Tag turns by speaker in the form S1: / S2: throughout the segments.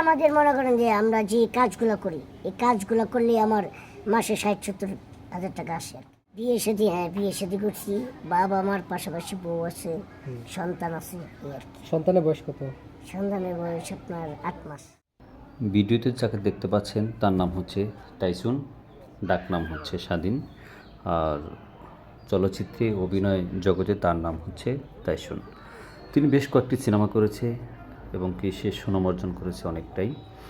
S1: আমাদের মনে করেন যে আমরা যে কাজগুলো করি এই কাজগুলো করলে আমার মাসে 60-70 হাজার টাকা আসে আর কি। বিয়ে শাদী, হ্যাঁ বিয়ে শাদী করছি, বাবা আমার পাশাপাশি বউ আছে, সন্তান আছে, এই আর কি।
S2: সন্তানের বয়স কত?
S1: সন্তানের বয়স আপনার 8 মাস।
S3: ভিডিওতে যাকে দেখতে পাচ্ছেন তার নাম হচ্ছে টাইসুন, ডাক নাম হচ্ছে স্বাধীন, আর চলচ্চিত্রে অভিনয় জগতে তার নাম হচ্ছে টাইসুন। তিনি বেশ কয়েকটি সিনেমা করেছে এবং কি সে সুনাম অর্জন করেছে অনেকটাই।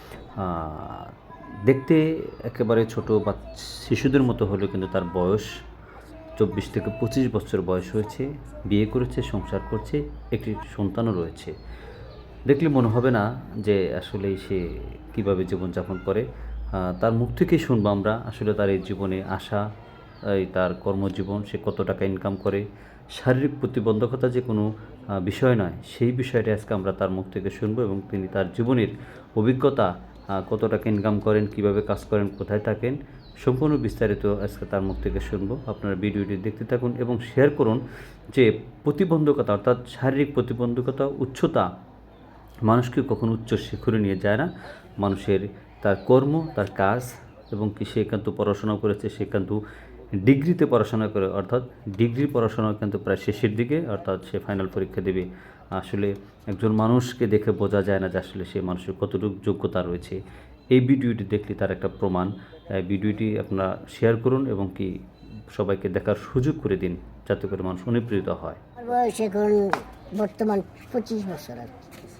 S3: দেখতে একেবারে ছোট বা শিশুদের মতো হলেও কিন্তু তার বয়স 24 থেকে 25 বছর বয়স হয়েছে, বিয়ে করেছে, সংসার করছে, একটি সন্তানও রয়েছে। দেখলে মনে হবে না যে আসলে সে কীভাবে জীবনযাপন করে। তার মুখ থেকেই শুনবো আমরা আসলে তার এই জীবনে আসা, এই তার কর্মজীবন, সে কত টাকা ইনকাম করে। শারীরিক প্রতিবন্ধকতা যে কোনো বিষয় নয়, সেই বিষয়টা আজকে আমরা তার মুখ থেকে শুনবো এবং তিনি তার জীবনের অভিজ্ঞতা, কত টাকা ইনকাম করেন, কিভাবে কাজ করেন, কোথায় থাকেন, সম্পূর্ণ বিস্তারিত আজকে তার মুখ থেকে শুনবো। আপনারা ভিডিওটি দেখতে থাকুন এবং শেয়ার করুন যে প্রতিবন্ধকতা অর্থাৎ শারীরিক প্রতিবন্ধকতা, উচ্চতা মানুষকে কখনো উচ্চ শিখরে নিয়ে যায় না। মানুষের তার কর্ম, তার কাজ এবং কি সে কিন্তু পড়াশোনা করেছে, সে কিন্তু ডিগ্রিতে পড়াশোনা করে, অর্থাৎ ডিগ্রি পড়াশোনা কিন্তু প্রায় শেষের দিকে, অর্থাৎ সে ফাইনাল পরীক্ষা দেবে। আসলে একজন মানুষকে দেখে বোঝা যায় না যে আসলে সে মানুষের কতটুকু যোগ্যতা রয়েছে। এই ভিডিওটি দেখলে তার একটা প্রমাণ। ভিডিওটি আপনারা শেয়ার করুন এবং কি সবাইকে দেখার সুযোগ করে দিন, যাতে করে মানুষ অনুপ্রেরিত হয়।
S1: আমার বয়স এখন বর্তমান 25 বছর আর কি।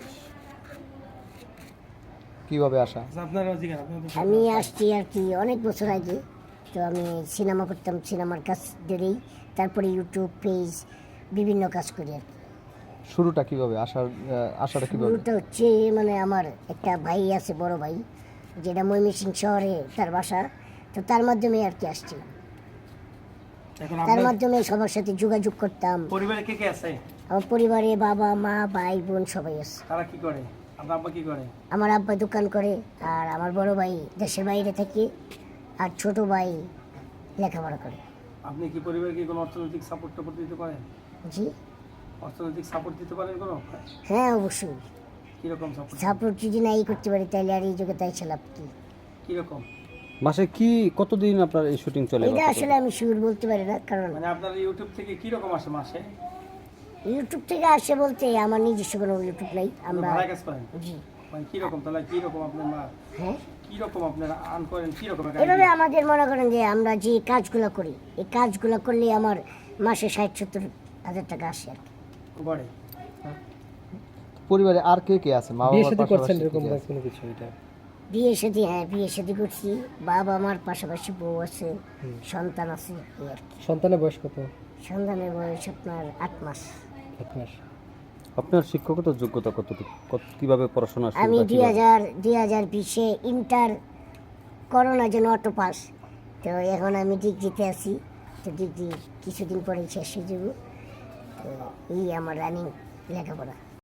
S2: কিভাবে আসা?
S1: আমি আসছি আর কি অনেক বছর আগে। তো আমি সিনেমা করতাম, সিনেমার কাজ ধরেই তারপরে ইউটিউব পেজ বিভিন্ন কাজ করি আর কি।
S2: শুরুটা কিভাবে আসাটা কিভাবে?
S1: শুরুটা হচ্ছে মানে আমার একটা ভাই আছে, বড় ভাই, যেটা ময়মনসিংহ শহরে তার বাসা। তো তার মাধ্যমে আর কি আসছিলাম, তার মাধ্যমে সবার সাথে যোগাযোগ করতাম।
S4: পরিবারে কে কে আছে?
S1: আমার পরিবারে বাবা মা ভাই বোন সবাই আছে।
S4: তারা কি করে? আপনার আব্বা কি করে?
S1: আমার আব্বা দোকান করে, আর আমার বড় ভাই দেশের বাইরে থাকে, আর ছোট ভাই লেখাপড়া করে।
S4: আপনি কি পরিবারকে কোনো অর্থনৈতিক সাপোর্ট দিতে পারেন?
S1: জি
S4: অর্থনৈতিক সাপোর্ট দিতে পারেন কোনো?
S1: হ্যাঁ অবশ্যই।
S4: কিরকম সাপোর্ট?
S1: সাপোর্ট যদি নাই করতে পারি তাহলে আর এই যুগে তাই লাভ কি?
S4: কিরকম?
S2: মাসে কতদিন আপনার এই শুটিং চলে?
S1: এটা আসলে আমি শিওর বলতে পারি না, কারণ
S4: মানে আপনার ইউটিউব থেকে কিরকম আসে মাসে?
S1: ইউটিউব থেকে আসে বলতে আমার নিজস্ব কোনো ইউটিউব নাই। আমরা
S4: ভাড়া কাজ করেন?
S1: জি
S4: মানে কিরকম, তাহলে কিরকম আপনার
S1: হ্যাঁ
S4: কিরকম আপনারা আর্ন করেন, কিরকম?
S1: এভাবে আমাদের মনে করেন যে আমরা যে কাজগুলো করি এই কাজগুলো করলে আমার মাসে 60-70 হাজার টাকা আসে আর কি।
S4: গড়ে
S2: পরিবারে আর কে কে আছে? মা
S5: বিয়ে
S2: বাবার
S5: শাদী করছেন
S2: পাশাপাশি
S5: এরকম
S2: কে কে আছে?
S5: কোনো কিছু? এটা
S1: বিয়ে শাদী, হ্যাঁ বিয়ে শাদী করছি, বাবা আমার পাশাপাশি বউ আছে, সন্তান আছে, এই আর কি।
S5: সন্তানের বয়স কত?
S1: সন্তানের বয়স আপনার 8 মাস।
S5: 1 মাস।
S2: আপনার শিক্ষকতার যোগ্যতা কতটুকু? কিভাবে পড়াশোনা
S1: আমি
S2: শুরুটা কিভাবে?
S1: 2020-এ ইন্টার করোনার জন্য অটো পাস। তো এখন আমি ডিগ্রিতে আছি, তো ডিগ্রি কিছুদিন পরে শেষ হয়ে যাব। তো এই আমার রানিং লেখাপড়া।